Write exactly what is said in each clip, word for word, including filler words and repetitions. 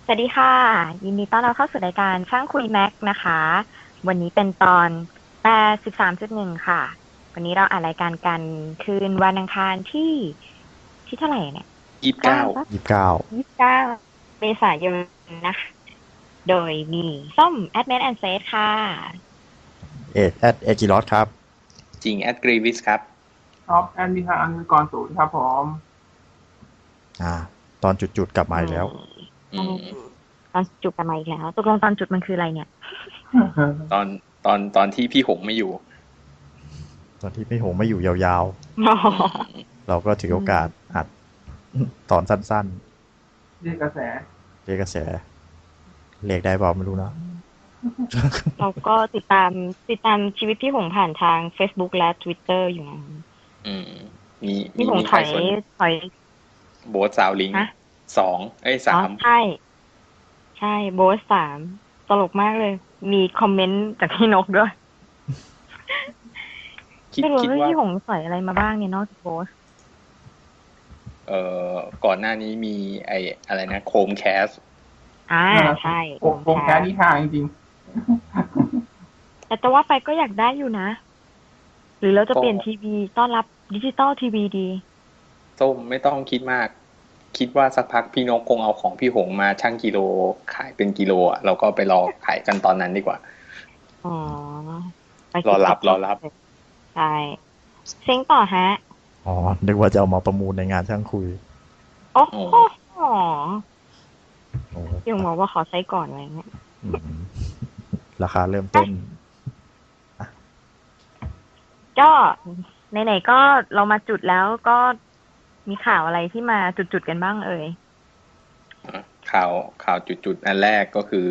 สวัสดีค่ะยินดีต้อนรับเข้าสู่รายการช่างคุยแม็กนะคะวันนี้เป็นตอนแปดสิบสามจุดหนึ่งค่ะวันนี้เราอ่านรายการกันคืนวันอังคารที่ที่เท่าไหร่เนี่ยยี่สิบเก้าเก้าปะยี่สิบเก้ายี่สิบเก้าเมษายนนะคะโดยมีส้มแอดเมนแอนเซฟค่ะเอ็ดแอดเอจิรอสครับจริงแอดกรีวิสครับท็อปแอนดิคาอันกรศูนย์ครับผมอ่าตอนจุดๆกลับมาอือีกแล้วอืมตอนจุดกันมาอีกแล้วตกลงตอนจุดมันคืออะไรเนี่ยตอนตอนตอนที่พี่หงไม่อยู่ตอนที่พี่หงไม่อยู่ยาวอ๋อๆ เราก็ถือโอกาสอัดตอนสั้นเรียกกระแสๆเรียกกระแสเรียกได้เปล่าไม่รู้นะเราก็ติดตามติดตามชีวิตพี่หงผ่านทาง Facebook และ Twitter อยู่นะอืมมีมีพี่หงมีถอยใครสนถอยโบสซาวลิงฮะสองเอ้ยอ๋อสามใช่ใช่โบสสามตลกมากเลย มีคอมเมนต์จากพี่นกด้วยคิดไม่รู้คิดว่าว่าพี่หงใส่อะไรมาบ้างเนี่ยนอกจากโบสเอ่อก่อนหน้านี้มีไออะไรนะโคมแคสอ่าใช่โอ้โหแค่นี้ทางจริงแต่จะว่าไปก็อยากได้อยู่นะ หรือเราจะก็เปลี่ยนทีวีต้อนรับดิจิตอลทีวีดีส้มไม่ต้องคิดมาก คิดว่าสักพักพี่นกคงเอาของพี่หงมาชั่งกิโลขายเป็นกิโลอ่ะเราก็ไปรอขายกันตอนนั้นดีกว่าอ๋อไปรอคิดรับรอรับใช่เซ็งต่อฮะอ๋อนึกว่าจะเอามาประมูลในงานช่างคุยโอ้โอ้โหโอ้พี่หงบอกว่าขอใช้ก่อนอะไรเงี้ยอืมราคาเริ่มต้นก็ไหนๆก็เรามาจุดแล้วก็มีข่าวอะไรที่มาจุดๆกันบ้างเอ่ยข่าวข่าวจุดๆอันแรกก็คือ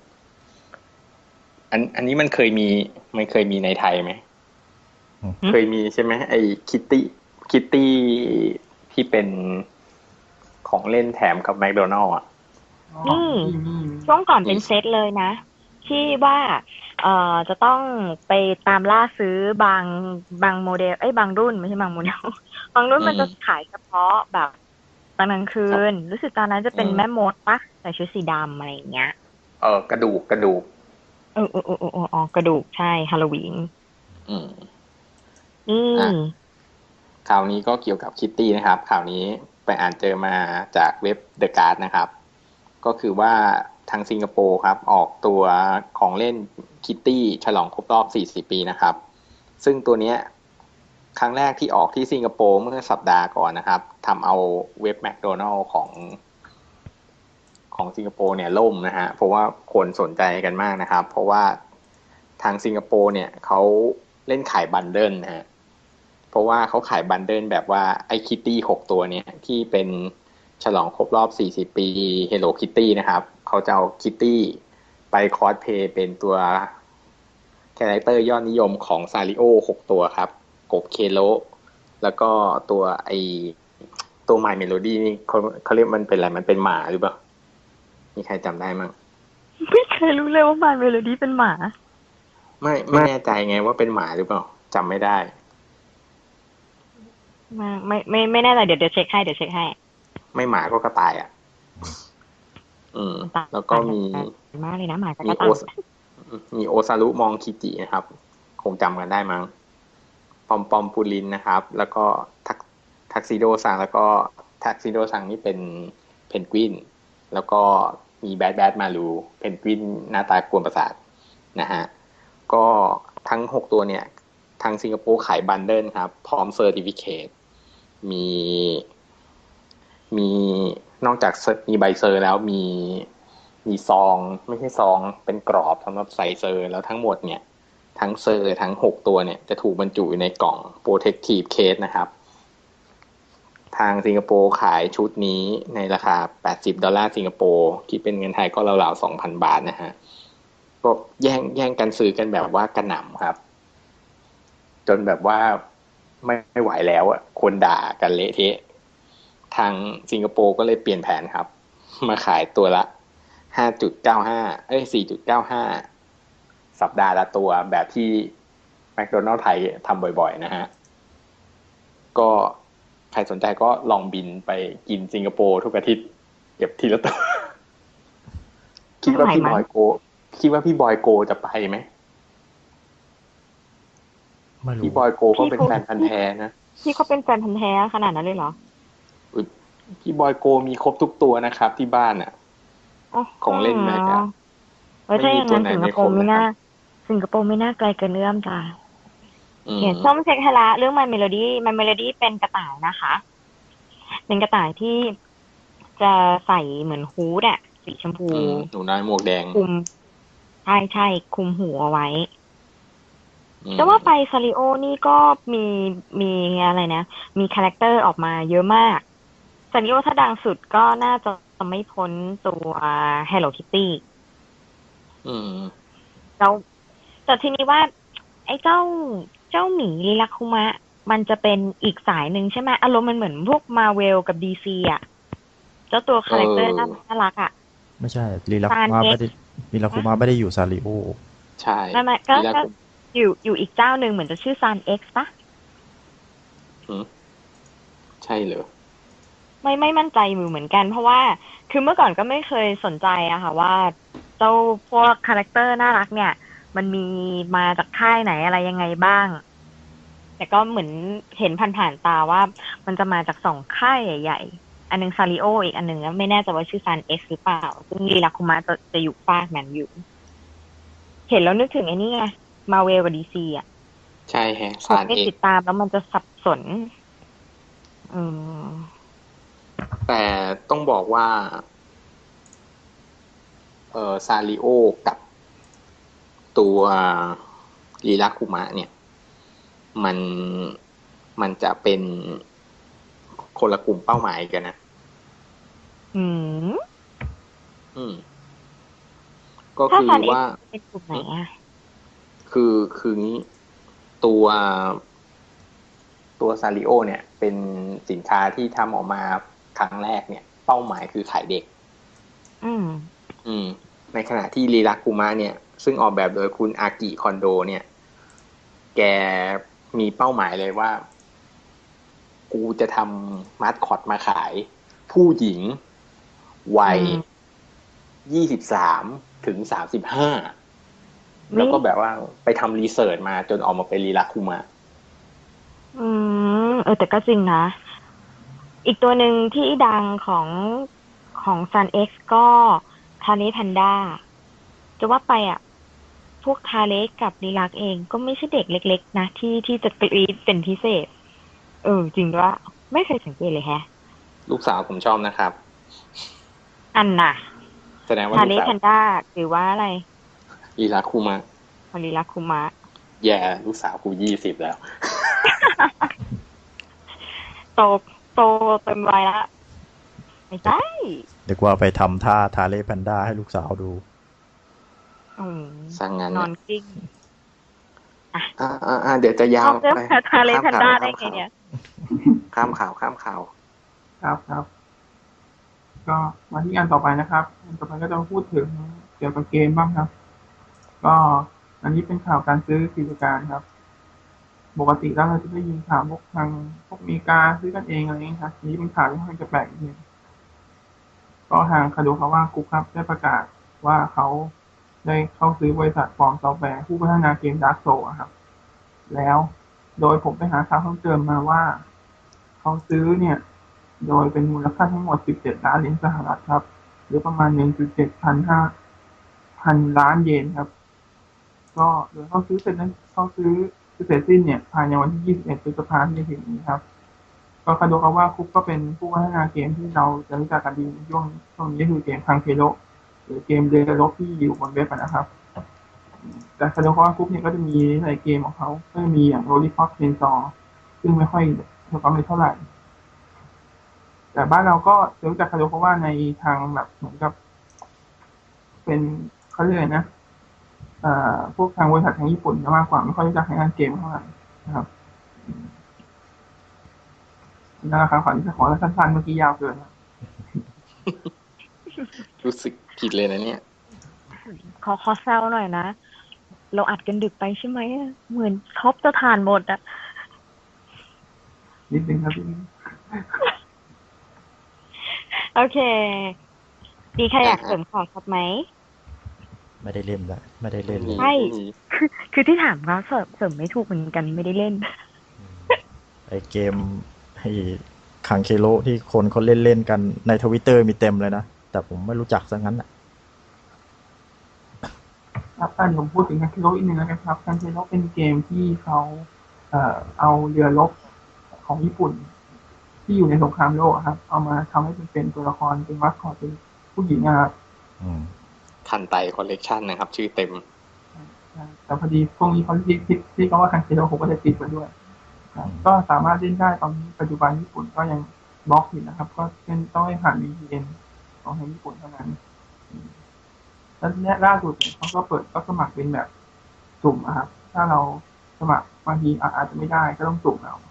อันอันนี้มันเคยมีมันเคยมีในไทยไหมเคยมีใช่ไหมไอ้คิตตี้คิตตี้ที่เป็นของเล่นแถมกับแมคโดนัลล์อ่ะนี่ช่วงก่อนเป็นเซตเลยนะ ที่ว่าเอ่อจะต้องไปตามล่าซื้อบางบางโมเดลเอ้ยบางรุ่นไม่ใช่บางโมเดลบางรุ่นมันจะขายเฉพาะแบบตอนกลางคืนรู้สึกตอนนั้นจะเป็นแม่มดปะใส่ชุดสีดำอะไรอย่างเงี้ยเออกระดูกกระดูกเออเออเออเอออ๋อกระดูกใช่ฮาโลวีนอืมนี่อ่ะข่าวนี้ก็เกี่ยวกับคิตตี้นะครับข่าวนี้ไปอ่านเจอมาจากเว็บ The Guard นะครับก็คือว่าทางสิงคโปร์ครับออกตัวของเล่นคิตตี้ฉลองครบรอบสี่สิบปีนะครับซึ่งตัวเนี้ยครั้งแรกที่ออกที่สิงคโปร์เมื่อสัปดาห์ก่อนนะครับทำเอาเว็บแมคโดนัลล์ของของสิงคโปร์เนี่ยล่มนะฮะเพราะว่าคนสนใจกันมากนะครับเพราะว่าทางสิงคโปร์เนี่ยเขาเล่นขายบันเดิลนะฮะเพราะว่าเขาขายบันเดิลแบบว่าไอ้คิตตี้หกตัวเนี่ยที่เป็นฉลองครบรอบสี่สิบปี Hello Kitty นะครับเขาจะเอาคิตตี้ไปคอสเพลย์เป็นตัวคาแรคเตอร์ยอดนิยมของซาริโอหกตัวครับกบเคโลแล้วก็ตัวไอตัว My Melody นี่เขาเขาเรียกมันเป็นอะไรมันเป็นหมาหรือเปล่ามีใครจำได้มั้งไม่เคยรู้เลยว่ามาเมโลดี้เป็นหมาไม่ไม่แน่ใจไงว่าเป็นหมาหรือเปล่าจำไม่ได้มาไม่ไม่ไม่แน่ใจเดี๋ยวเดี๋ยวเช็คให้เดี๋ยวเช็คให้ไม่หมาก็กระต่ายอ่ะอืมแล้วก็มีมากเลยนะหมากับกมีโอระต่ายมีโอซารุมองคิจินะครับคงจำกันได้มั้งปอมปอมปูลินนะครับแล้วก็ทักทักซิโดซังแล้วก็ทักซิโดซังนี่เป็นเพนกวินแล้วก็มีแบดแบดมาลูเพนกวินหน้าตากวนประสาทนะฮะก็ทั้งหกตัวเนี่ยทางสิงคโปร์ขายบันเดิลครับพร้อมเซอร์ติฟิเคตมีมีนอกจากมีใบเซอร์แล้วมีมีซองไม่ใช่ซองเป็นกรอบสำหรับใส่เซอร์แล้วทั้งหมดเนี่ยทั้งเซอร์ทั้งหกตัวเนี่ยจะถูกบรรจุอยู่ในกล่อง Protective Case นะครับทางสิงคโปร์ขายชุดนี้ในราคาแปดสิบดอลลาร์สิงคโปร์คิดเป็นเงินไทยก็ราวๆ สองพัน บาทนะฮะก็แย่งแย่งกันซื้อกันแบบว่ากระหน่ำครับจนแบบว่าไม่ไม่ไหวแล้วอ่ะคนด่ากันเละเทะทางสิงคโปร์ก็เลยเปลี่ยนแผนครับมาขายตัวละ ห้าจุดเก้าห้า เอ้ย สี่จุดเก้าห้า สัปดาห์ละตัวแบบที่แมคโดนัลด์ไทยทำบ่อยๆนะฮะก็ใครสนใจก็ลองบินไปกินสิงคโปร์ทุกอาทิตย์เก็บทีละตัวคิดว่าพี่ทำไมบอยโกคิดว่าพี่บอยโกจะไปไหมไม่รู้พี่บอยโกก็พี่เป็นพูดแฟนพันธุ์แท้นะพี่เขาเป็นแฟนพันธุ์แท้ขนาดนั้นเลยเหรออุ๊ยพี่บอยโกมีครบทุกตัวนะครับ ที่บ้านอ่ะ ของเล่นแม็กอะเออถ้าอย่างนั้นไม่มีตัวไหนสิงคโปร์ไม่ครบไม่น่านะครับสิงคโปร์ไม่น่าไกลเกินเอื้อมจ้ะอืมเขียนส้มเช็คให้ละเรื่อง My Melody My Melody เป็นกระต่ายนะคะ เป็นกระต่ายที่จะใส่เหมือนฮูดอะสีชมพูอืมหนูน้อยหมวกแดงคุมใช่ใช่คุมหัวไว้อืมแต่ว่าไปซาริโอนี่ก็มีมีอะไรนะ มีคาแรคเตอร์ออกมาเยอะมากซาริโอถ้าดังสุดก็น่าจะไม่พ้นตัว Hello Kitty อืมแล้วแต่ทีนี้ว่า ไอ้เจ้าเจ้าหมีลิลักคุมะ มันจะเป็นอีกสายหนึ่งใช่ไหมอารมณ์มันเหมือนพวกมาเวลกับดีซีอ่ะ เจ้าตัวคาแรคเตอร์เออน่าน่ารักอ่ะไม่ใช่ลีลาซาคุนมะเอ็กซ์ไม่ได้ลีลาคุมะไม่ได้อยู่ซาริโอใช่ไม่ไม่ก็ทีแรกก็ผมอยู่อยู่อีกเจ้าหนึ่งเหมือนจะชื่อซานเอ็กซ์ปะอืมใช่เหรอไม่ไม่มั่นใจอยู่เหมือนกัน เพราะว่าคือเมื่อก่อนก็ไม่เคยสนใจอะค่ะว่าเจ้าพวกคาแรคเตอร์น่ารักเนี่ย มันมีมาจากค่ายไหนอะไรยังไงบ้าง แต่ก็เหมือนเห็นผ่านๆตาว่ามันจะมาจากสองค่ายใหญ่ๆ อันหนึงซาริโออีกอันหนึ่งไม่แน่ใจว่าชื่อซันเอ็กซ์หรือเปล่า ซึ่งลีลาคุมะจะจะอยู่ฟากนั้นอยู่ เห็นแล้วนึกถึงไอ้นี่ไงมาเวลกับดีซีอะใช่แฮะคซาน นไม่เอ็กติดตามแล้วมันจะสับสน อืมแต่ต้องบอกว่า เอ่อซาริโอกับตัวลีลาคุมะเนี่ย มันมันจะเป็นคนละกลุ่มเป้าหมายกันนะอืมอืม ก็ถ้าคือซันเอ็กว่าซ์เป็นกลุ่มไหนอะคือคืองี้ตัวตัวซาริโอเนี่ย เป็นสินค้าที่ทำออกมาครั้งแรกเนี่ย เป้าหมายคือขายเด็กอืมอืม ในขณะที่ลีลาคุมะเนี่ย ซึ่งออกแบบโดยคุณอากิคอนโด เนี่ย แกมีเป้าหมายเลยว่า กูจะทำมาสคอตมาขาย ผู้หญิง วัยอืมยี่สิบสามถึงสามสิบห้า แล้วก็แบบว่าไปทำรีเสิร์ชมาจนออกมาเป็นลีลาคุมะอืม เออ แต่ก็จริงนะ อีกตัวหนึ่งที่ดังของของ Sun X ก็ทาเ e แพนด้าจะว่าไปอ่ะ พวกทาเลกับลีลักเองก็ไม่ใช่เด็กเล็กๆนะที่ที่จะกรี๊ดเป็นพิเศษ เออ จริงด้วยไม่เคยสังเกตเลยแฮะลูกสาวผมชอบนะครับอันน่ะแสดงว่าทาลูเลกสาวแพนด้าหรือว่าอะไรลีลาคุมะของลีลักคุมะแย่ลูกสาวกูยี่สิบแล้วโตโตเต็มวัยละไม่ใช่เดี๋ยวว่าไปทำท่าทาเล่แพนด้าให้ลูกสาวดูอืมสั่งงานนอนเนี่ยกลิ้งอ่าอ่าอ่าเดี๋ยวจะยาวเอาเรื่องไปทาเลแพนด้าได้ไงเนี่ยข้ามข่าวข้ามข่าวครับครับ ก็มาที่งานต่อไปนะครับงานต่อไปก็จะมาพูดถึงเกี่ยวกับเกมบ้างครับ ก็อันนี้เป็นข่าวการซื้อกิจการครับ ปกติแล้วเราจะได้ยินข่าวพวกทางพวกอเมริกาซื้อกันเองอะไรอย่างนี้ครับอันนี้เป็นข่าวที่ค่อนข้างจะแปลกนิดนึงก็ทางคาโดคาวะกรุ๊ปครับได้ประกาศว่าเขาได้เข้าซื้อบริษัทฟอร์มซอฟต์แวร์ผู้พัฒนาเกม Dark Souls อะครับ แล้วโดยผมไปหาข่าวเพิ่มเติมมาว่าเขาซื้อเนี่ย โดยเป็นมูลค่าทั้งหมดสิบเจ็ดล้านเหรียญสหรัฐครับ หรือประมาณ หนึ่งจุดเจ็ดพันห้าพันล้านเยนครับ ก็โดยเขาซื้อเสร็จนั้นเขาซื้อเสร็จสิ้นเนี่ยภายในวันที่ยี่สิบเอ็ดพฤษภาคมที่จะถึงนี้ครับ ก็คาโดคาวะคุปก็เป็นผู้พัฒนาเกมที่เราจะรู้จักกันดีในช่วงช่วงนี้ก็คือเกมคังเคโรหรือเกมเดลโลที่อยู่บนเว็บนะครับ แต่คาโดคาวะคุปเนี่ยก็จะมีหลายเกมของเขาก็จะมีอย่างโรลิพอตเชนซอซึ่งไม่ค่อยมีความเป็นเท่าไหร่ แต่บ้านเราก็จะรู้จักคาโดคาวะในทางแบบเหมือนกับ เป็นเขาเรียกอะไรนะเอ่อพวกทางบริษัททางญี่ปุ่นมากกว่าไม่ค่อยรู้จักในงานเกมเท่าไหร่นะครับนั่นแหละครับขอที่จะขอสั้นๆเมื่อกี้ยาวเกินรู้สึกผิดเลยนะเนี่ยขอขอแซวหน่อยนะ เราอัดกันดึกไปใช่ไหมอะเหมือนท็อปจะทานหมดอะนิดนึงครับพี่โอเค ดีใครอยากเสริมข่าวครับไหมไม่ได้เล่นละไม่ได้เล่นเลยใช่ คือที่ถามเขาเสริมเสริมไม่ถูกเหมือนกันไม่ได้เล่นไอเกมไอคังเคโรที่คนเขาเล่นเล่นกันในทวิตเตอร์มีเต็มเลยนะ แต่ผมไม่รู้จักซะงั้นอ่ะครับอันผมพูดถึงคันเทโร่อีกหนึ่งแล้วกันครับคันเทโร่เป็นเกมที่เขาเอ่อเอาเรือรบของญี่ปุ่น ที่อยู่ในสงครามโลกอะครับ เอามาทำให้เป็นเป็นตัวละครเป็นมัสคอตเป็นผู้หญิงนะครับอืมคันไตคอลเลกชันนะครับ ชื่อเต็มแต่พอดีพวกนี้เขาที่ที่ที่เขาว่าคันเทโร่ผมก็จะติดมาด้วยครับก็สามารถเล่นได้ตอนนี้ปัจจุบันญี่ปุ่นก็ยังบล็อกอยู่นะครับ ก็เล่นต้องให้ผ่าน วี พี เอ็น ของทางญี่ปุ่นเท่านั้นแล้วเนี่ยล่าสุดเขาก็เปิดก็สมัครเป็นแบบสุ่มอะครับ ถ้าเราสมัครบางทีอาจจะไม่ได้ก็ต้องสุ่มเอา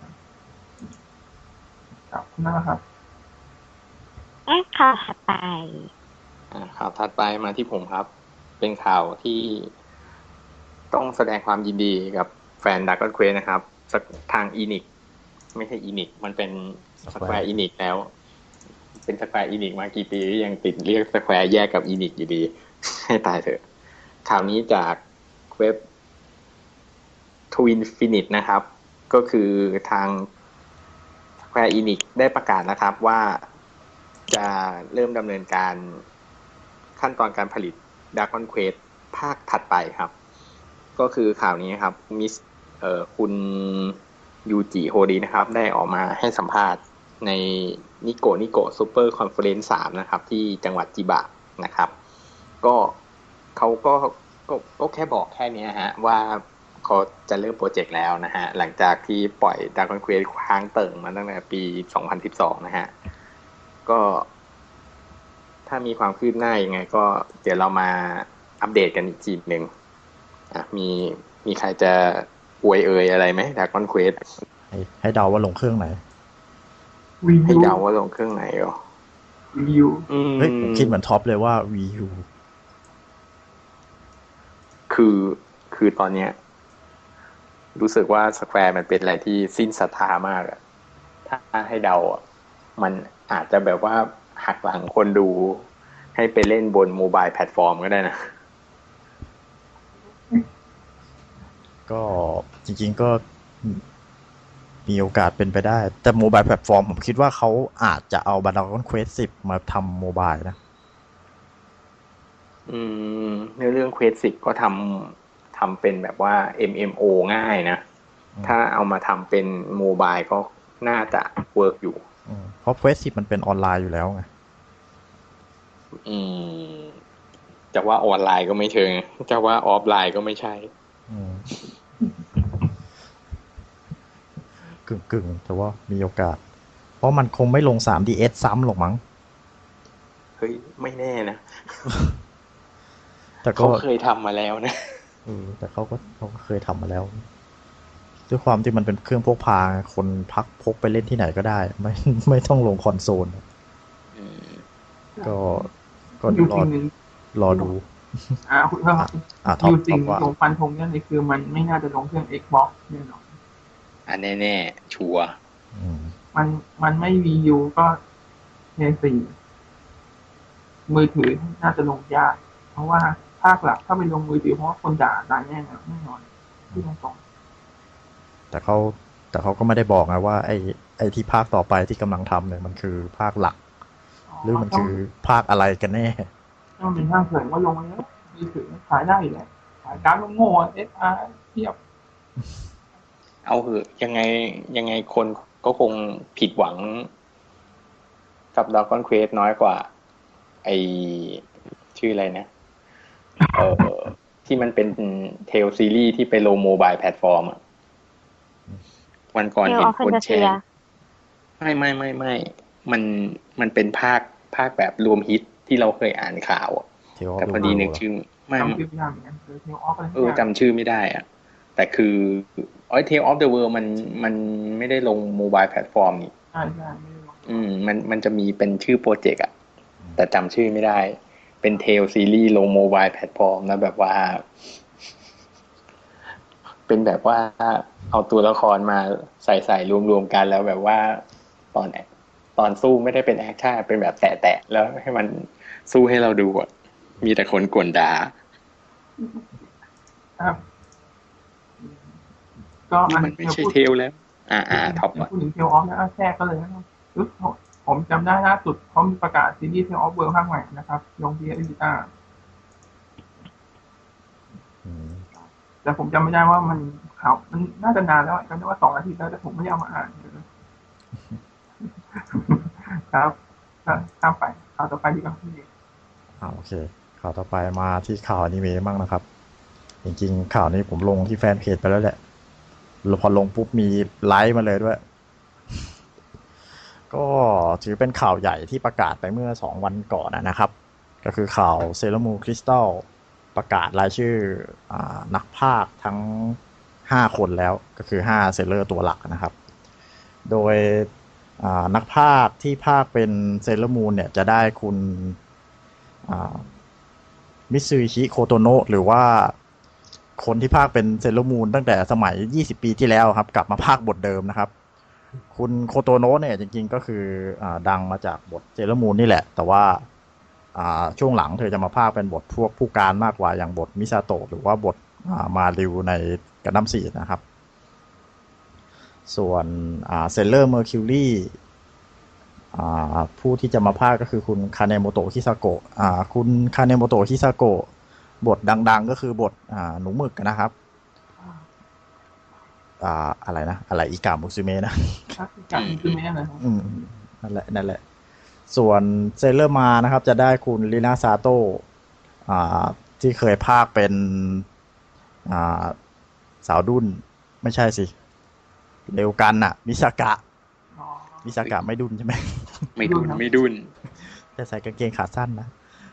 ครับนั่นแหละครับอ่ะค่ะถัดไปอ่าข่าวถัดไปมาที่ผมครับ เป็นข่าวที่ต้องแสดงความยินดีกับแฟน Dragon Quest นะครับสักทางอีนิกไม่ใช่อีนิกมันเป็นสแควร์อีนิกแล้ว เป็นสแควร์อีนิกมากี่ปียังติดเรียกสแควร์แยกกับอีนิกอยู่ดี ให้ตายเถอะข่าวนี้จากเว็บ Twinfinite นะครับ ก็คือทาง Square Enix ได้ประกาศนะครับว่าจะเริ่มดำเนินการขั้นตอนการผลิต Dragon Quest ภาคถัดไปครับ ก็คือข่าวนี้ครับมิสเอ่อคุณยูจิโฮรินะครับ ได้ออกมาให้สัมภาษณ์ในนิโกนิโกซูเปอร์คอนเฟอเรนซ์สามนะครับ ที่จังหวัดจิบะนะครับ ก็เขาก็ก็ก็แค่บอกแค่นี้ฮะว่าเขาจะเริ่มโปรเจกต์แล้วนะฮะหลังจากที่ปล่อย Dragon Quest ค้างเติ่งมาตั้งแต่ปีสองพันสิบสองนะฮะก็ถ้ามีความคืบหน้ายังไงก็เดี๋ยวเรามาอัปเดตกันอีกทีหนึ่งอ่ะมีมีใครจะอวยเอ่ยอะไรไหม Dragon Quest ให้ให้เดาว่าลงเครื่องไหนวีให้ยูเดาว่าลงเครื่องไหนเหรอวียูอืมเฮ้ยผมคิดเหมือนท็อปเลยว่า วี ยูคือคือตอนเนี้ยรู้สึกว่าสแควร์มันเป็นอะไรที่สิ้นศรัทธามากอะถ้าให้เดาอะมันอาจจะแบบว่าหักหลังคนดูให้ไปเล่นบนโมบายแพลตฟอร์มก็ได้นะก็จริงๆก็มีโอกาสเป็นไปได้ แต่โมบายแพลตฟอร์มผมคิดว่าเขาอาจจะเอา Dragon Quest สิบมาทำโมบายนะอืมในเรื่อง Quest สิบก็ทำทำเป็นแบบว่า เอ็ม เอ็ม โอ ง่ายนะอืมถ้าเอามาทำเป็นโมบายก็น่าจะเวิร์กอยู่อืมเพราะ Quest สิบมันเป็นออนไลน์อยู่แล้วไงอืมจะว่าออนไลน์ก็ไม่เชิงจะว่าออฟไลน์ก็ไม่ใช่อืมกึ่งกึ่งๆแต่ว่ามีโอกาส เพราะมันคงไม่ลง ทรี ดี เอส ซ้ำหรอกมั้งเฮ้ยไม่แน่นะแต่ก็เขาเคยทำมาแล้วนะเออแต่เขาก็เขาก็เคยทำมาแล้ว ด้วยความที่มันเป็นเครื่องพกพาคนพักพกไปเล่นที่ไหนก็ได้ ไม่ไม่ต้องลงคอนโซลอืมก็ก็ยูรอสิ่งหนึ่งรอดูอ่าคุณเพิ่มครับอ่ะท็อปยูท็สิ่อง ปว่าลงฟันธงเนี่ยเลยคือมันไม่น่าจะลงเครื่อง Xbox แน่นอนอันแน่ๆชัวร์อืมมันมันไม่ วี ยู ก็เพย์สี่มือถือน่าจะลงยาก เพราะว่าภาคหลักถ้าไปลงมือถือเพราะว่าคนด่าด่าแน่นอนแน่นอนที่ตรงแต่เขาแต่เขาก็ไม่ได้บอกนะว่าไอ้ไอ้ที่ภาคต่อไปที่กำลังทำเนี่ยมันคือภาคหลักๆหรือมันคือภาคอะไรกันแน่ถ้ามันเป็นภาคเสริมว่าลงมาแล้วมือถือขายได้อยู่แล้วขายการ์ดโง่เอสอาร์เทียบเอาเหอะยังไงยังไงคนก็คงผิดหวังกับ Dragon Quest น้อยกว่า ไอชื่ออะไรนะ เออที่มันเป็นเทลซีรีส์ที่ไปลงโมบายแพลตฟอร์มอะวันก่อน Tale เห็น of คนแชร์ Fantasia ไม่ไม่ไม่ไม่มันมันเป็นภาคภาคแบบรวมฮิตที่เราเคยอ่านข่าวอะ Tale of แต่พอ the ดี World นึกชื่อไม่จำชื่อไม่ได้เหมือนกันคือเทลออฟอะไรเออจำชื่อไม่ได้อะแต่คืออ๋อ Tale of the World มันมันไม่ได้ลงโมบายแพลตฟอร์มนี่ใช่ใช่ไม่ได้ลงอืมมันมันจะมีเป็นชื่อโปรเจกต์อะแต่จำชื่อไม่ได้ เป็นเทลซีรีส์ลงโมบายแพลตฟอร์มนะแบบว่า เป็นแบบว่าเอาตัวละครมาใส่ใส่รวมๆกันแล้วแบบว่าตอนไหนตอนสู้ไม่ได้เป็นแอคชั่นเป็นแบบแตะๆแล้วให้มันสู้ให้เราดูอะมีแต่คนกวนด่าครับ ก็นี่อันมันไม่เดี๋ยวใช่พูดเทลแล้ว อา ๆ ท็อป ก่อนพูดถึง Tales of แล้วแทรกก็เลยนะครับรู้สึกผมจำได้ล่าสุดเขามีประกาศซีรีส์ Tales of World ภาคใหม่นะครับ ลง พี เอส Vita อืมแต่ผมจำไม่ได้ว่ามันข่าวมันน่าจะนานแล้วอะจำได้ว่าสองอาทิตย์แล้วแต่ผมไม่ได้เอามาอ่าน ครับก็ข้ามไปข่าวต่อไปดีกว่าพี่อ่าโอเค ข่าวต่อไปมาที่ข่าวอนิเมะบ้างนะครับ จริงๆ ข่าวนี้ผมลงที่แฟนเพจไปแล้วแหละแล้วพอลงปุ๊บมีไลค์มาเลยด้วย ก็ถือเป็นข่าวใหญ่ที่ประกาศไปเมื่อสองวันก่อนนะครับ ก็คือข่าวเซเลอร์มูนคริสตัลประกาศรายชื่ออนักพากย์ทั้งห้าคนแล้วก็คือห้าเซเลอร์ตัวหลักนะครับ โดยนักพากย์ที่พากย์เป็นเซเลอร์มูนเนี่ยจะได้คุณมิตซูบิชิ โคโตโนะหรือว่าคนที่พากย์เป็นเซเลอร์มูนตั้งแต่สมัยยี่สิบปีที่แล้วครับกลับมาพากย์บทเดิมนะครับ คุณโคโตโนะเนี่ยจริงๆก็คืออดังมาจากบทเซเลอร์มูนนี่แหละแต่ว่าช่วงหลังเธอจะมาพากย์เป็นบทพวกผู้การมากกว่าอย่างบทมิซาโตะหรือว่าบทมาริวในกันดั้มสี่นะครับส่วนเซเลอร์เมอร์คิวรี่ผู้ที่จะมาพากย์ก็คือคุณคาเนโมโตะฮิซาโกะคุณคาเนโมโตะฮิซาโกะบทดังๆก็คือบทหนูหมึกนะครับอ่าอะไรนะอะไรอิกามุซึเมะนะอิกามุซึเมะนะอืมนั่นแหละนั่นแหละส่วนเซเลอร์มานะครับจะได้คุณลินาซาโตะอ่าที่เคยพากย์เป็นอ่าสาวดุ้นไม่ใช่สิเร็วกันน่ะมิซากะมิซากะไม่ดุ้นใช่ไหมไม่ดุ้นไม่ดุ้นจะใส่กางเกงขาสั้นนะ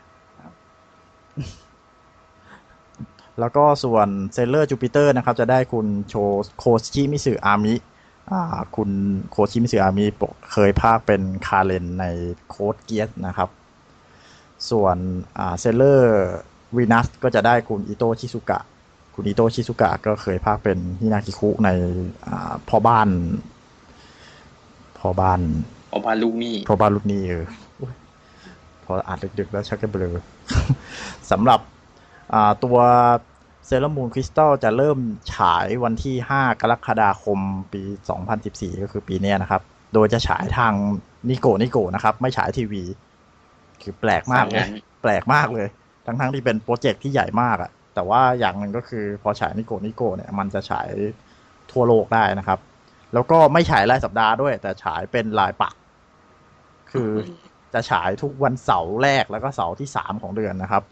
แล้วก็ส่วนเซเลอร์จูปิเตอร์นะครับจะได้คุณโชโคชิมิสึอามิคุณโคชิมิสึอามิเคยพากย์เป็นคาเรนในโค้ดเกียสนะครับส่วนเซเลอร์วีนัสก็จะได้คุณอิโตะชิซุกะคุณอิโตะชิซุกะก็เคยพากย์เป็นฮินากิคุในพ่อบ้านพ่อบ้านพ่อบ้านลูกหนี้พ่อบ้านลูกหนี้เออพออ่านดึกๆแล้วชักจะเบลอสำหรับตัวเซเลอร์มูนคริสตัลจะเริ่มฉายวันที่ห้ากรกฎาคมปีสองพันสิบสี่ก็คือปีนี้นะครับโดยจะฉายทางนิโกนิโกนะครับไม่ฉายทีวีคือแปลกมากเลยแปลกมากเลยทั้งๆที่เป็นโปรเจกต์ที่ใหญ่มากอะแต่ว่าอย่างหนึ่งก็คือพอฉายนิโกนิโกเนี่ยมันจะฉายทั่วโลกได้นะครับแล้วก็ไม่ฉายรายสัปดาห์ด้วยแต่ฉายเป็นรายปักคือจะฉายทุกวันเสาร์แรกแล้วก็เสาร์ที่สามของเดือนนะครับ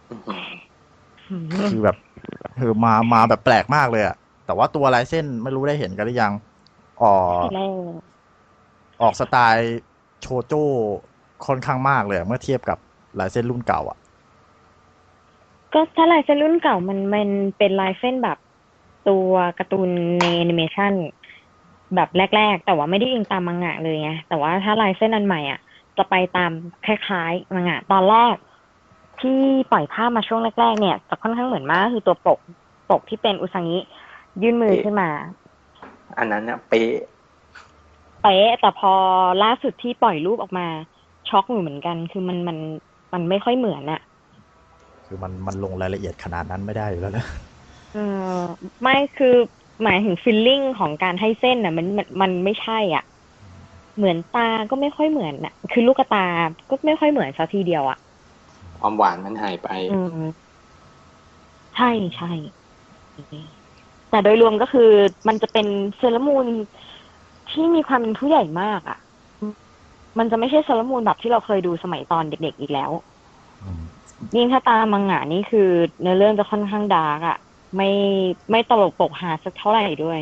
คือแบบคือมามาแบบแปลกมากเลยอะแต่ว่าตัวลายเส้นไม่รู้ได้เห็นกันหรือยังออกออกสไตล์โชโจ้ค่อนข้างมากเลยเมื่อเทียบกับลายเส้นรุ่นเก่าอ่ะก็ถ้าลายเส้นรุ่นเก่ามันมันเป็นลายเส้นแบบตัวการ์ตูนในแอนิเมชันแบบแรกๆแต่ว่าไม่ได้ยิงตามมังงะเลยไงแต่ว่าถ้าลายเส้นอันใหม่อ่ะจะไปตามคล้ายๆมังงะตอนแรกที่ปล่อยภาพมาช่วงแรกๆเนี่ยจะค่อนข้างเหมือนมากคือตัวปกปกที่เป็นอุซังิยื่นมือขึ้นมาอันนั้นน่ะเป๊ะเป๊ะแต่พอล่าสุดที่ปล่อยรูปออกมาช็อกอยู่เหมือนกันคือมันมันมันไม่ค่อยเหมือนอะคือมันมันลงรายละเอียดขนาดนั้นไม่ได้อยู่แล้วนะเออไม่คือหมายถึงฟีลลิ่งของการให้เส้นน่ะมันมันมันไม่ใช่อ่ะเหมือนตาก็ไม่ค่อยเหมือนน่ะคือลูกตาก็ไม่ค่อยเหมือนซะทีเดียวอ่ะความหวานมันหายไปอืมใช่ใช่แต่โดยรวมก็คือมันจะเป็นเซเลอร์มูนที่มีความเป็นผู้ใหญ่มากอ่ะมันจะไม่ใช่เซเลอร์มูนแบบที่เราเคยดูสมัยตอนเด็กๆอีกแล้วยิ่งถ้าตามมังงะนี่คือเนื้อเรื่องจะค่อนข้างดาร์กอ่ะไม่ไม่ตลกปกฮาสักเท่าไหร่ด้วย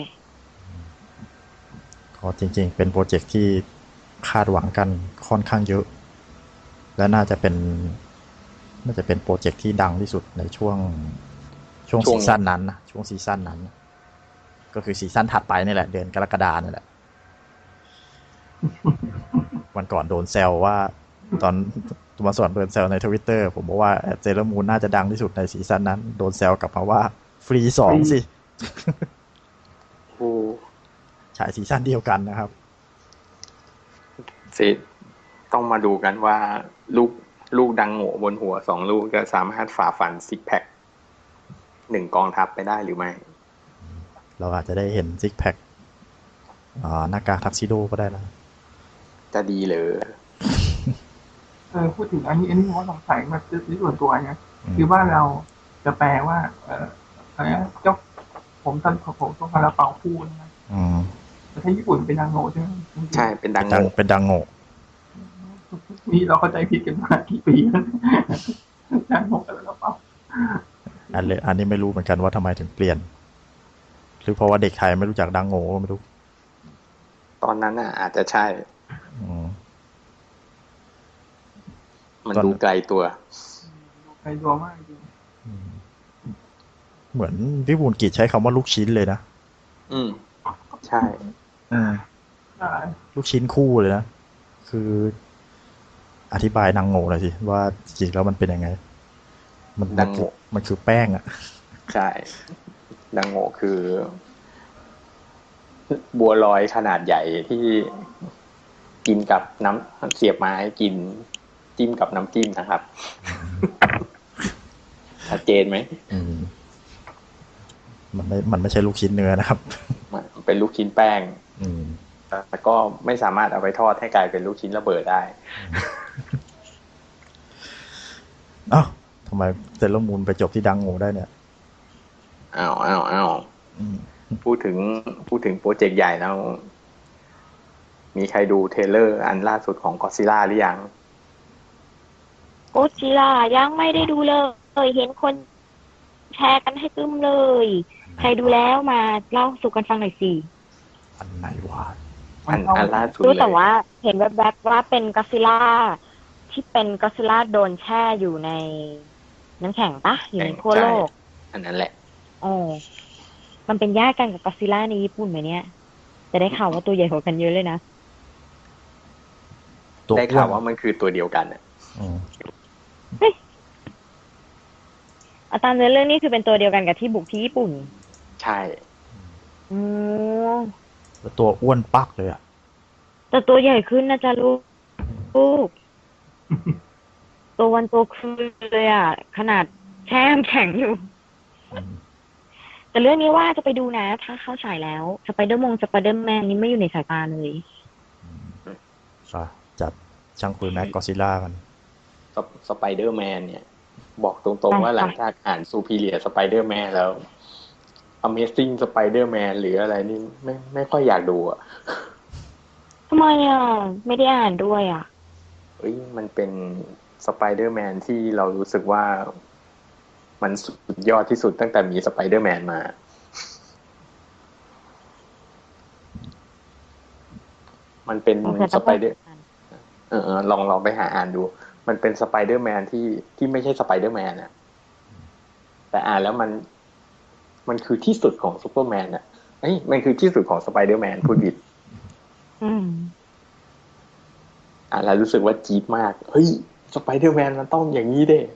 ก็จริงๆเป็นโปรเจกต์ที่คาดหวังกันค่อนข้างเยอะและน่าจะเป็นน่าจะเป็นโปรเจกต์ที่ดังที่สุดในช่วงช่วงซีซั่นนั้นนะช่วงซีซั่นนั้นก็คือซีซั่นถัดไปนี่แหละเดือนกรกฎาคมนี่แหละวันก่อนโดนแซวว่าตอนมาสอนโดนแซวใน Twitter ผมบอกว่าเซเลอร์มูนน่าจะดังที่สุดในซีซั่นนั้นโดนแซวกลับมาว่าฟรีสองสิโอ้ฉายซีซั่นเดียวกันนะครับสิต้องมาดูกันว่าลูกลูกดังโง่บนหัวสองลูกจะสามารถฝ่าฟันซิกแพคหนึ่งกองทัพไปได้หรือไม่เราอาจจะได้เห็นซิกแพคอ่าหน้ากากทักซิโดก็ได้นะจะดีเลยเออพูดถึงอันนี้อันนี้ผมก็สงสัยมาที่ส่วนตัวเนี่ยคือว่าเราจะแปลว่า เอออะไรนะเจ้าผมตันผมต้องคาราเปาคู่นะอืมแต่ถ้าญี่ปุ่นเป็นดังโง่ใช่ไหมใช่เป็นดังดังโง่เป็นดังโง่นี่เราเข้าใจผิดกันมากี่ปีแล้วดังโง่คาราเปาอันเลยอันนี้ไม่รู้เหมือนกันว่าทำไมถึงเปลี่ยน หรือเพราะว่าเด็กไทยไม่รู้จักดังโง่ก็ไม่รู้ตอนนั้นน่ะ อาจจะใช่อืมมันตอนดูไกลตัวใครตัวมากจริงอืมเหมือนพี่บุญกิจใช้คำว่าลูกชิ้นเลยนะอืม ใช่อืมใช่ลูกชิ้นคู่เลยนะ คือ อธิบายดังโง่หน่อยสิว่าจริงๆแล้วมันเป็นยังไง มันดังโง่มันคือแป้งอ่ะใช่ ดังโง่คือ บัวลอยขนาดใหญ่ที่กินกับน้ำเสียบไม้กินจิ้มกับน้ำจิ้มนะครับ ชัดเจนไหมอืม มันไม่มันไม่ใช่ลูกชิ้นเนื้อนะครับมันเป็นลูกชิ้นแป้งอืมแต่ก็ไม่สามารถเอาไปทอดให้กลายเป็นลูกชิ้นระเบิดได้เอ้าทำไมเซเลอร์มูนไปจบที่ดังโง่ได้เนี่ยอ้าวอ้าวอ้าวอืมพูดถึงพูดถึงโปรเจกต์ใหญ่แล้ว มีใครดูเทรลเลอร์อันล่าสุดของก็อดซิลล่าหรือยังโกจิล่ายังไม่ได้ดูเลย เห็นคนแชร์กันให้ตึมเลย ใครดูแล้วมาเล่าสู่กันฟังหน่อยสิอันไหนวะอันอันล่าสุดรู้เลแต่ยว่าเห็นแวบๆว่าเป็นก็อดซิลล่าที่เป็นก็อดซิลล่าโดนแช่อยู่ในน้ำแข็งปะอยู่ในขั้วโลกอันนั้นแหละโอ้มันเป็นญาติกันกับก็อดซิลล่าในญี่ปุ่นไหมเนี่ย จะได้ข่าวว่าตัวใหญ่กว่ากันเยอะเลยนะตัวได้อ้วข่าวน ว่ามันคือตัวเดียวกันน่ะอืมอาตามเนื้อเรื่องนี้คือเป็นตัวเดียวกันกับที่บุกที่ญี่ปุ่นใช่อืมแล้วตัวอ้วนปักเลยอ่ะแต่ตัวใหญ่ขึ้นนะจ๊ะลูกลูก ตัววันตัวคืนเลยอ่ะ ขนาดแช่น้ำแข็งอยู่อืมแต่เรื่องนี้ว่าจะไปดูนะ ถ้าเข้าฉายแล้วสไปเดอร์มงสไปเดอร์แมนนี่ไม่อยู่ในสายตาเลยอ่ะจัดช่างปืนแม็กกอซิล่ากันสไปเดอร์แมนเนี่ย บอกตรงๆว่าหลังจากอ่านซูพีเรียสไปเดอร์แมนแล้ว Amazing Spider-Man หรืออะไรนี่ไม่ไม่ค่อยอยากดูอ่ะทำไมอ่ะ ไม่ได้อ่านด้วยอ่ะเอ้ยมันเป็นสไปเดอร์แมนที่เรารู้สึกว่ามันสุดยอดที่สุดตั้งแต่มีสไปเดอร์แมนมา มันเป็นโอเคสไปเดอร์เออเออลองลองไปหาอ่านดู มันเป็นสไปเดอร์แมนที่ที่ไม่ใช่สไปเดอร์แมนอ่ะ แต่อ่านแล้วมัน มันคือที่สุดของซูเปอร์แมนอ่ะเอ้ยมันคือที่สุดของสไปเดอร์แมนพูดผิดอืมอ่านแล้วรู้สึกว่าจี๊ดมาก เฮ้ยสไปเดอร์แมนมันต้องอย่างนี้เด้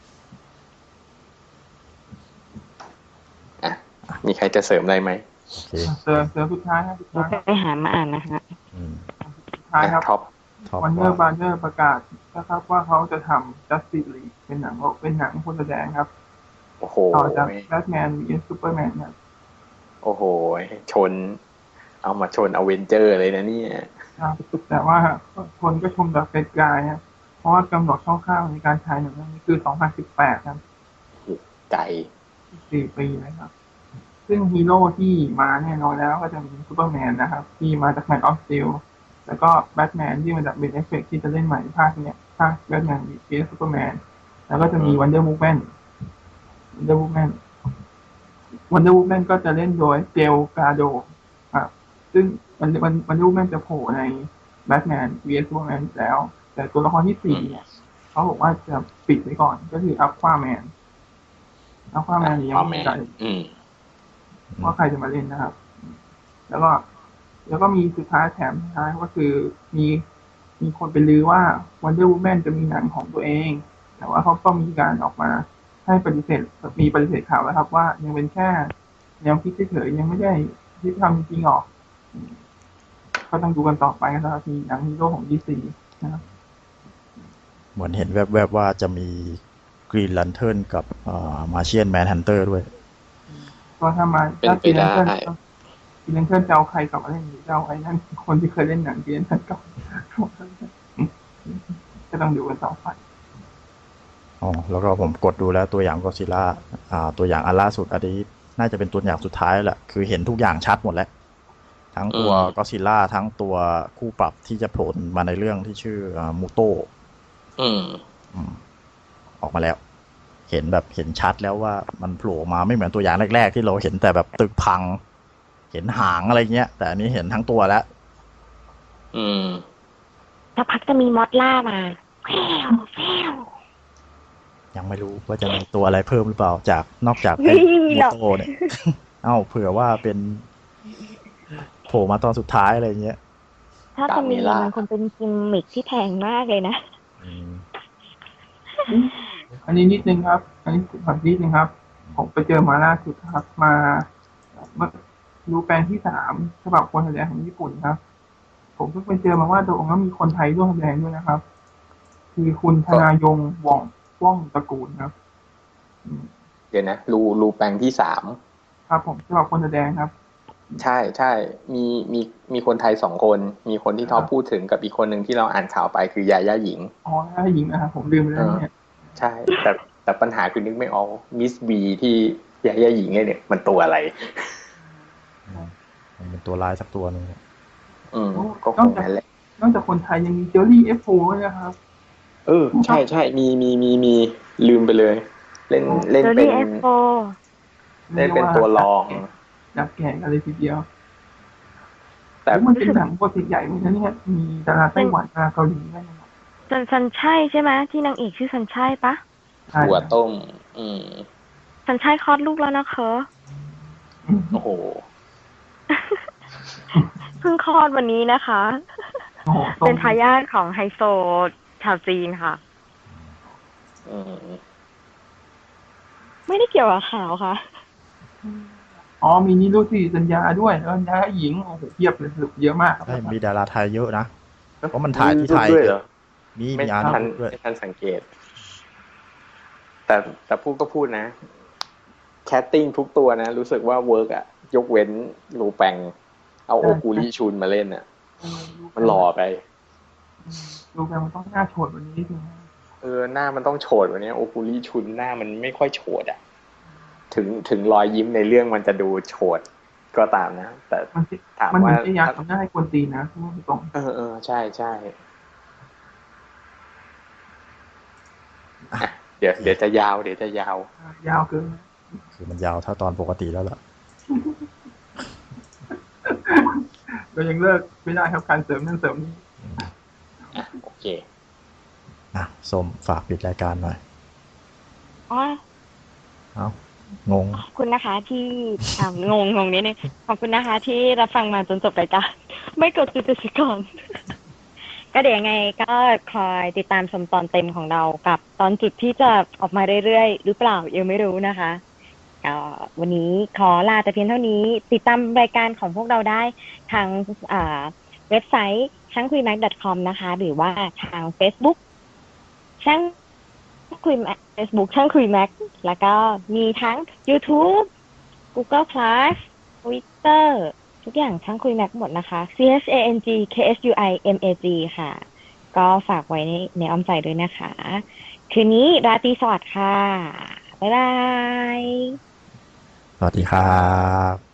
อ่ะมีใครจะเสริมอะไรไหมโอเคเสือเสือสุดท้ายครับสุดเดี๋ยท้าวย ไปหามาอ่านนะคะอืมสุดท้ายครับท็อปท็อปวันเนอว่าร์บาร์เนอร์ประกาศนะครับว่าเขาจะทำ Justice League เป็นหนังเป็นหนังคนแสดงครับโอ้โหต่อจาก Batman vs Superman เนี่ยโอ้โห ชน เอามาชนอเวนเจอร์เลยนะเนี่ยครับ แต่ว่าคนก็ชมแบบไกลๆนะเพราะว่ากำหนดคร่าวๆในการฉายหนังเรื่องนี้คือ สองพันสิบแปด ครับไก่สี่ปีนะครับ ซึ่งฮีโร่ที่มาแน่นอนแล้วก็จะมีซูเปอร์แมนนะครับ ที่มาจาก Man of Steel แล้วก็แบทแมนที่มาจาก Ben Affleck ที่จะเล่นใหม่ภาคเนี้ยภาคแบทแมนวีซูเปอร์แมนแล้วก็จะมี Wonder Woman Wonder Woman Wonder Woman ก็จะเล่นโดยเจลกาโดครับซึ่งมันมัน Wonder Woman จะโผล่ใน Batman vs Superman แล้ว แต่ตัวละครที่สี่เนี่ยเขาบอกว่าจะปิดไว้ก่อนก็คือ Aquaman Aquaman นี่ยังไม่มีใครอืมว่าใครจะมาเล่นนะครับ แล้วก็ แล้วก็มีสุดท้ายแถมสุดท้ายก็คือมีมีคนไปลือว่า Wonder Woman จะมีหนังของตัวเอง แต่ว่าเขาก็มีการออกมาให้ปฏิเสธมีปฏิเสธข่าวแล้วครับ ว่ายังเป็นแค่แนวคิดเฉยๆยังไม่ได้ที่ทำจริงหรอกก็ต้องดูกันต่อไปนะครับมีหนังฮีโร่ของ ดี ซี นะครับเหมือนเห็นแวบๆว่าจะมีกรีน แลนเทิร์นกับอ่ามาเชียนแมนฮันเตอร์ด้วยก็ถ้ามาเป็นถ้าไปซีเลได้นเทิลซีเลนเทิลจะเอาใครกลับมาเล่นหรือจะเอาไอ้นั่นคนที่เคยเล่นหนังซีเลนเทิลกลับก็ต้องดูกันต่อไปอ๋อแล้วก็ผมกดดูแล้วตัวอย่างก็ซิล่าอ่าตัวอย่างอันล่าสุดอันนี้น่าจะเป็นตัวอย่างสุดท้ายแหละคือเห็นทุกอย่างชัดหมดแล้ว ทั้งตัวก็ซิล่าทั้งตัวคู่ปรับที่จะโผล่มาในเรื่องที่ชื่อมูโตอืมออกมาแล้ว เห็นแบบเห็นชัดแล้วว่ามันโผล่มาไม่เหมือนตัวอย่างแรกๆที่เราเห็นแต่แบบตึกพัง เห็นหางอะไรเงี้ย แต่อันนี้เห็นทั้งตัวแล้วอืมสักพักจะมีมอสล่ามาแฟวแฟวยังไม่รู้ว่าจะมีตัวอะไรเพิ่มหรือเปล่าจากนอกจากไม่มีหรอกโมโตเนี่ย เอ้าเผื่อว่าเป็นโผล่มาตอนสุดท้ายอะไรเงี้ยถ้าจะมีกาเมล่ามัมันคงเป็นกิมมิคที่แพงมากเลยนะอืมอันนี้นิดนึงครับ อันนี้ขอนิดนึงครับ ผมไปเจอมาล่าสุดครับ มาเมื่อรู้แปลงที่สามฉบับคนแสดงของญี่ปุ่นครับ ผมเพิ่งไปเจอมาว่าตรงนั้นมีคนไทยร่วมแสดงด้วยนะครับ คือคุณธนายงว่องว่องตระกูลครับอืมเดี๋ยวนะรูรูแปลงที่สามครับผมฉบับคนแสดงครับใช่ใช่มีมีมีคนไทยสองคน มีคนที่ท็อปพูดถึงกับอีกคนหนึ่งที่เราอ่านข่าวไปคือยาย่าหญิงอ๋อถ้าหญิงนะครับผมลืมไปแล้วเนี่ยใช่ แต่แต่ปัญหาคือนึกไม่ออกมิสบีที่ยาย่าหญิงเนี่ยมันตัวอะไรมันเป็นตัวร้ายสักตัวหนึงอืมก็คงนั่นแหละนอกจากคนไทยยังมีเจอรี่เอฟโฟด้วยนะครับเออใช่ใช่มีมีมีมีลืมไปเลย เล่นเล่นเจอเป็นรี่เอฟโฟเล่นเป็นตัวรองดับแก่กันเลยทีเดียวแต่แต่มันเป็นหนังโปรเจกต์ใหญ่เหมือนกันเนี่ยมีดาราไต้หวันดาราเกาหลีด้วยนะครับซันซันใช่ใช่ไหมที่นางเอกชื่อซันใช่ปะใช่หัวต้ม อืมซันใช่คลอดลูกแล้วนะคะโอ้โหเพิ่งคลอดวันนี้นะคะโอ้โหเป็นทายาทของไฮโซชาวจีนค่ะอืมไม่ได้เกี่ยวกับข่าวค่ะอ๋อมีนิรุตติสัญญาด้วยแล้วยาหญิงโอ้โหเทียบเลยสรุปเยอะมากครับใช่มีดาราไทยเยอะนะ เพราะมันถ่ายที่ไทยด้วยเหรอมีไม่มีอาร์ทันตด้วยไม่ทันสังเกต แต่แต่พูดก็พูดนะ แคสติ้งทุกตัวนะ รู้สึกว่าเวิร์กอะยกเว้นรูแปง เอาโอกูริชุนมาเล่นอะมันหล่อไปดูแบบมันต้องหน้าโฉดวันนี้ถึงเออหน้ามันต้องโฉดวันนี้โอกูริชุนหน้ามันไม่ค่อยโฉดอะถึงถึงรอยยิ้มในเรื่องมันจะดูโฉดก็ตามนะ แต่มันจะถามมันว่าจะอยากทำหน้าให้คนตีนะพูดตรงเออเออใช่ใช่อ่ะเดี๋ยวเดี๋ยวจะยาว เดี๋ยวจะยาวยาวเกินคือมันยาวเท่าตอนปกติแล้วล่ะเรายังเลิกไม่ได้ครับการเสริมนั่นเสริมนี่อ่ะโอเคอ่ะส้มฝากปิดรายการหน่อยอ๋อเอ้างงขอบคุณนะคะที่อ่างงงงนิดนึงขอบคุณนะคะ ที่รับฟังมาจนจบรายการ ไม่กดติดตามก่อน ก็เดี๋ยวยังไงก็คอยติดตามชมตอนเต็มของเรากับตอนจุดที่จะออกมาเรื่อยๆหรือเปล่ายังไม่รู้นะคะก็วันนี้ขอลาแต่เพียงเท่านี้ ติดตามรายการของพวกเราได้ทางอ่าเว็บไซต์ช่างคุยแม็ก .com นะคะ หรือว่าทาง Facebook ช่างคุยแม็ก Facebook ช่างคุยแม็กแล้วก็มีทั้ง YouTube Google Plus Twitter ทุกอย่างช่างคุยแม็กหมดนะคะ C H A N G K S U I M A G ค่ะ ก็ฝากไว้ในในอ้อมใจด้วยนะคะ คืนนี้ราตรีสวัสดิ์ค่ะ บ๊ายบายสวัสดีครับ